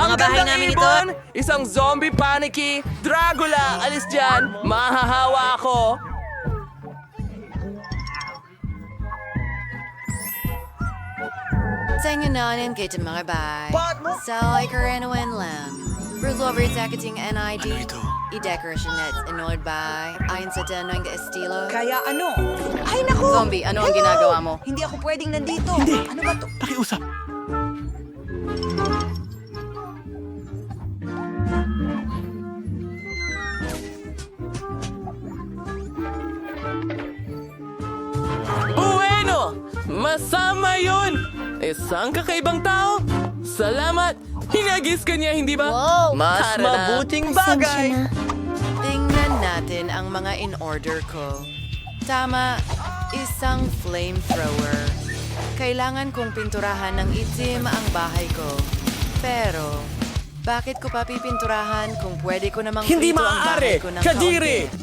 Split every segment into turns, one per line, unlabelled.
mga bahay
gandang
namin ito.
ibon, isang zombie panicky, Dracula, alis dyan, mahahawa ako.
Tingnan kita mga bay. So, ikaranuan lang. Rule takating NID. I-decoration nets annoyed by. Ayon sa tanong ka estilo.
Kaya ano? Ay, naku!
Zombie, ano ang ginagawa mo?
Hindi ako pwedeng nandito. Ano ba to?
Pakiusap.
Bueno! Masama yun! Isang kakaibang tao? Salamat! Hinagis ka niya, hindi ba?
Wow!
Mas
Tara na.
mabuting bagay!
Tingnan natin ang mga in-order ko. Tama, isang flamethrower. Kailangan kong pinturahan ng itim ang bahay ko. Pero, bakit ko pa pipinturahan kung pwede ko namang
Hindi
prito ang bahay
maaari!
ko ng
Kadiri!
kaunti?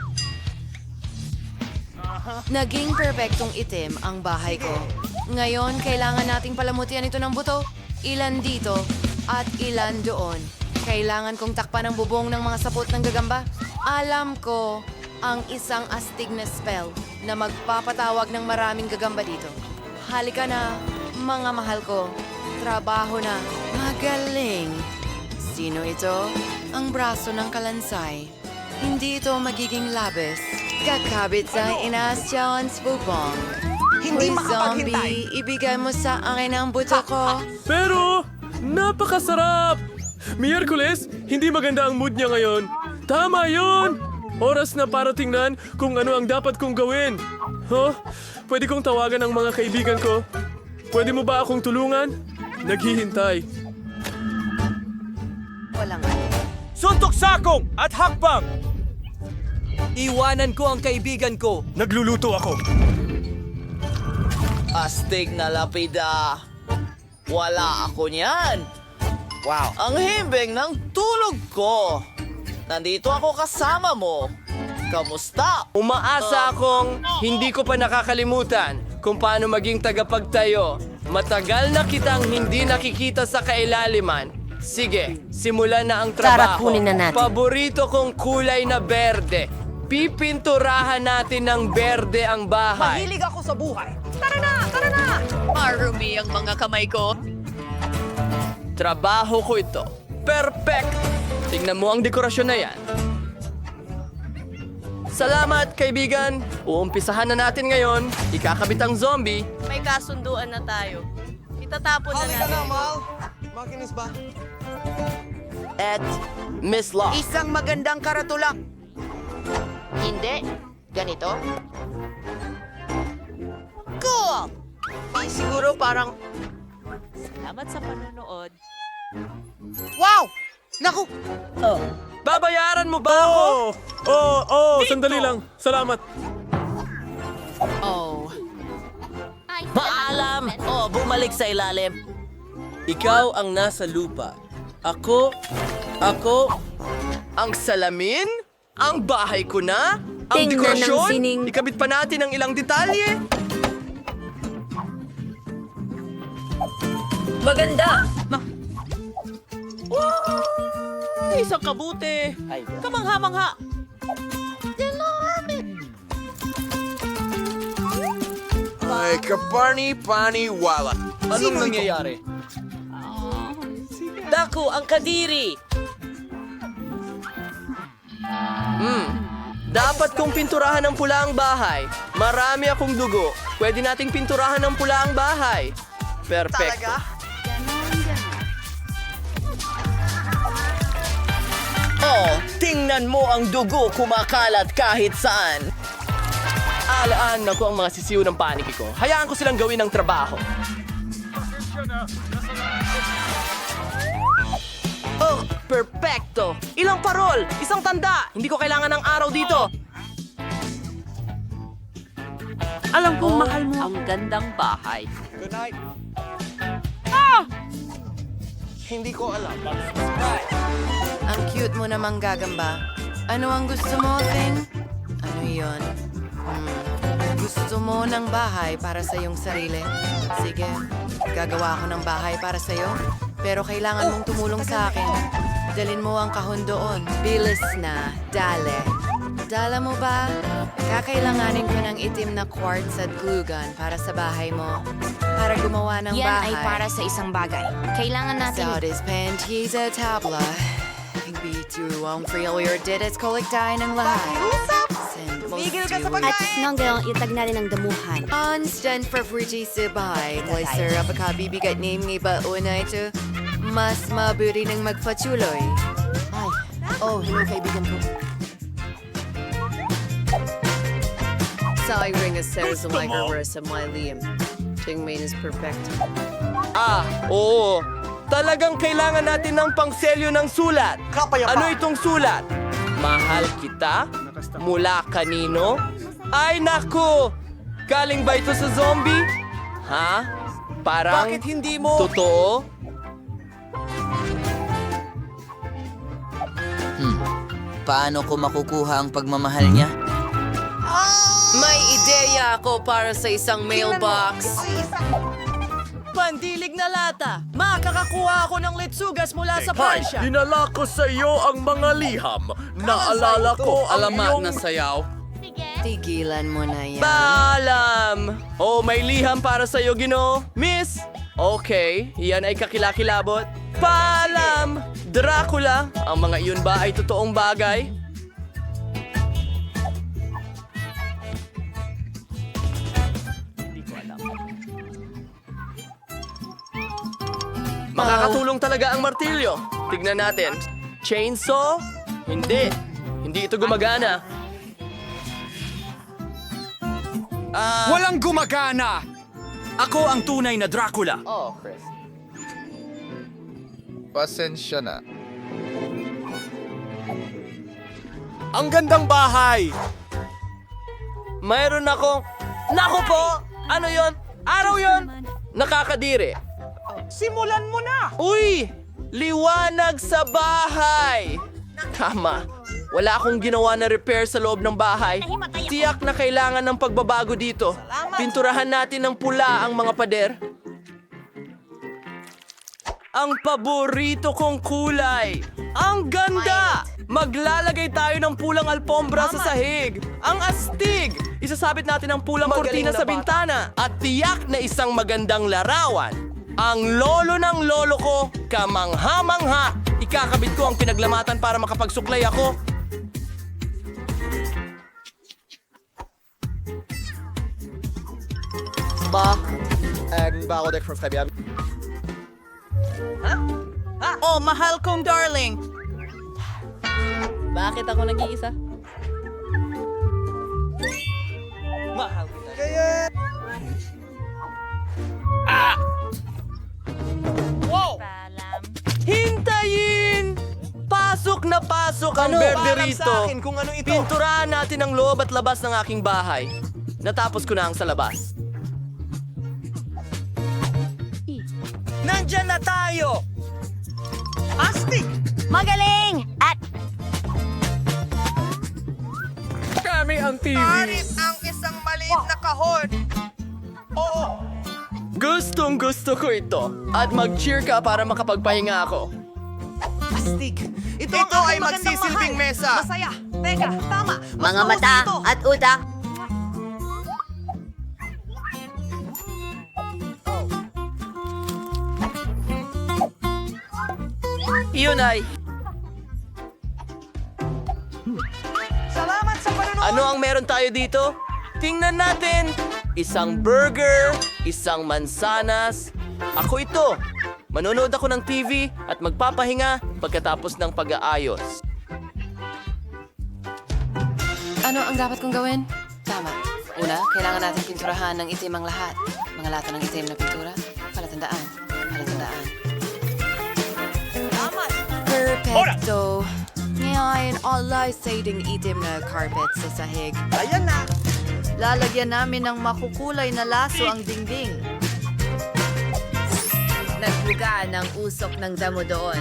Naging perpektong itim ang bahay ko. Ngayon, kailangan nating palamutian ito ng buto. Ilan dito at ilan doon. Kailangan kong takpan ang bubong ng mga sapot ng gagamba. Alam ko ang isang astig na spell na magpapatawag ng maraming gagamba dito. Halika na, mga mahal ko. Trabaho na. Magaling. Sino ito? Ang braso ng kalansay. Hindi ito magiging labis. Kakabit sa Inas Jones bubong.
Hindi
Hoy,
makapaghintay.
zombie, ibigay mo sa akin ang buto ko.
Pero, napakasarap! Miyerkules, hindi maganda ang mood niya ngayon. Tama yon! Oras na para tingnan kung ano ang dapat kong gawin. Huh? Pwede kong tawagan ang mga kaibigan ko. Pwede mo ba akong tulungan? Naghihintay.
Walang
Suntok sakong at hakbang!
Iwanan ko ang kaibigan ko.
Nagluluto ako.
Astig na lapida. Wala ako niyan.
Wow.
Ang himbing ng tulog ko. Nandito ako kasama mo. Kamusta?
Umaasa akong hindi ko pa nakakalimutan kung paano maging tagapagtayo. Matagal na kitang hindi nakikita sa kailaliman. Sige, simulan na ang trabaho.
Tara, kunin na natin.
Paborito kong kulay na berde. Pipinturahan natin ng berde ang bahay.
Mahilig ako sa buhay. Tara na! Tara na!
marumi ang mga kamay ko.
Trabaho ko ito. Perfect! Tingnan mo ang dekorasyon na yan. Salamat, kaibigan. Uumpisahan na natin ngayon. Ikakabit ang zombie.
May kasunduan na tayo. Itatapon na natin.
Makinis ba?
At Miss Law.
Isang magandang karatula.
Hindi. Ganito?
Cool! Siguro parang...
Salamat sa panonood.
Wow! Naku!
Babayaran mo ba ako?
Sandali lang. Salamat.
Oh,
Paalam! Oh, bumalik sa ilalim.
Ikaw ang nasa lupa. Ako, ang salamin? Ang bahay ko na? Ang
Tingnan ng
dekorasyon?
sining.
Ikabit pa natin ang ilang detalye?
Maganda!
Isang kabuti. Kamangha-mangha.
Ay, kaparni-pani-wala.
Anong nangyayari? Dako, ang kadiri.
Dapat kong pinturahan ng pula ang bahay. Marami akong dugo. Pwede nating pinturahan ng pula ang bahay. Perfecto.
Oh, tingnan mo ang dugo kumakalat kahit saan.
Alaan na ko ang mga sisiw ng paniki ko. Hayaan ko silang gawin ang trabaho. Oh, perfecto! Ilang parol! Isang tanda! Hindi ko kailangan ng araw dito!
Alam kong mahal mo. Ang gandang bahay.
Good night.
Hindi ko alam.
ang cute mo namang gagamba. Ano ang gusto mo, Thing? Ano yon? Gusto mo ng bahay para sa iyong sarili? Sige, gagawa ako ng bahay para sa iyo. Pero kailangan mong tumulong sa akin. Dalin mo ang kahon doon. Bilis na. Dale. Dala mo ba? Kakailanganin ko ng itim na quartz at glue gun para sa bahay mo. Para gumawa ng
Yan
bahay.
ay para sa isang bagay. Kailangan natin...
Saudis panties at tabla. Bito ang failure did it kolektahin ng lahat. Send mo
At nang gayong itag natin ang damuhan.
Constant favorite sa bahay. Placer up a bibigat name ng iba una ito. Mas mabuti ng magpatuloy. Ay, oh, hello kaibigan ko. Sa ring a series of microverse of my Liam. Tingmain is perfect.
Oo. Talagang kailangan natin ng pangselyo ng sulat. Ano itong sulat? Mahal kita? Mula kanino? Ay, naku! Galing ba ito sa zombie? Ha? Parang...
Bakit hindi mo...
Totoo?
Paano ko makukuha ang pagmamahal niya?
May ideya ako para sa isang mailbox.
Pandilig na lata! Makakakuha ako ng litsugas mula sa Pransya!
Dinala ko sa iyo ang mga liham. Naalala ko ang iyong...
sayaw.
Tigilan mo na yan.
Paalam! Oh, may liham para sa iyo, Gino. Miss! Okay, yan ay kakilakilabot. Paalam! Dracula! Ang mga iyon ba ay totoong bagay? Makakatulong talaga ang martilyo. Tignan natin. Chainsaw? Hindi. Hindi ito gumagana.
Walang gumagana! Ako ang tunay na Dracula.
Oh, Chris.
Pasensya na.
Ang gandang bahay! Mayroon akong... Naku po! Ano yon? Araw yon? Nakakadiri.
Simulan mo na!
Uy! Liwanag sa bahay! Tama. Wala akong ginawa na repair sa loob ng bahay. Tiyak na kailangan ng pagbabago dito. Pinturahan natin ng pula ang mga pader. Ang paborito kong kulay! Ang ganda! Maglalagay tayo ng pulang alpombra sa sahig. Ang astig! Isasabit natin ang pulang kortina sa bintana. At tiyak na isang magandang larawan. Ang lolo ng lolo ko, kamangha-mangha. Ikakabit ko ang pinaglamatan para makapagsuklay ako.
Oh, mahal kong darling!
Bakit ako nag-iisa?
Mahal kita.
Hintayin! Pasok na pasok ang berde rito.
Kung ano ito.
Pinturahan natin ang loob at labas ng aking bahay. Natapos ko na ang sa labas.
Nandyan na tayo! Astig!
Magaling! At
Kami ang TV.
ang isang maliit na kahon.
Gustong gusto ko ito. At mag-cheer ka para makapagpahinga ako.
Astig! Ito
Ito
ang
ay
aking magandang
magsisilbing
mahal.
mesa.
Masaya! Teka, tama! Mas
Mga
mausay
mata
ito.
at utak.
Iyon ay,
Salamat sa panonood!
ano ang meron tayo dito? Tingnan natin. Isang burger, isang mansanas. Ako ito. Manonood ako ng TV at magpapahinga pagkatapos ng pag-aayos.
Ano ang dapat kong gawin? Tama. Una, kailangan natin pinturahan ng itim ang lahat. Mga lata ng itim na pintura. Palatandaan. Palatandaan. Perfecto. Ngayon, alay siding itim na carpet sa sahig.
Ayan na!
Lalagyan namin ng makukulay na laso ang dingding.
Nagbuga ng usok ng damo doon.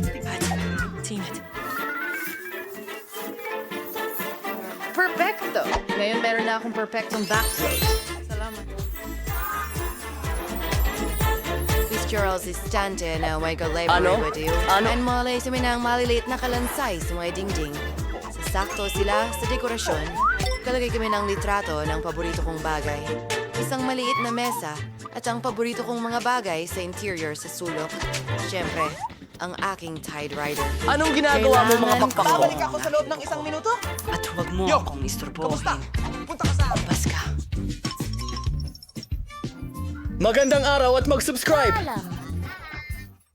Perfecto! Ngayon meron na akong perfectong backplate. Salamat. Charles Istante na may galay-bari and malay sa minang maliliit na kalansay sa mga dingding. Sasakto sila sa dekorasyon. Kalagay kami ng litrato ng paborito kong bagay. Isang maliit na mesa at ang paborito kong mga bagay sa interior sa sulok. Siyempre, ang aking Tide Rider.
Anong ginagawa mo mga
Kailangan
pakpak ko?
ko-
ako sa loob ng isang minuto?
At huwag mo akong istorbohin.
Punta ka sa akin.
Paska.
Magandang araw at mag-subscribe!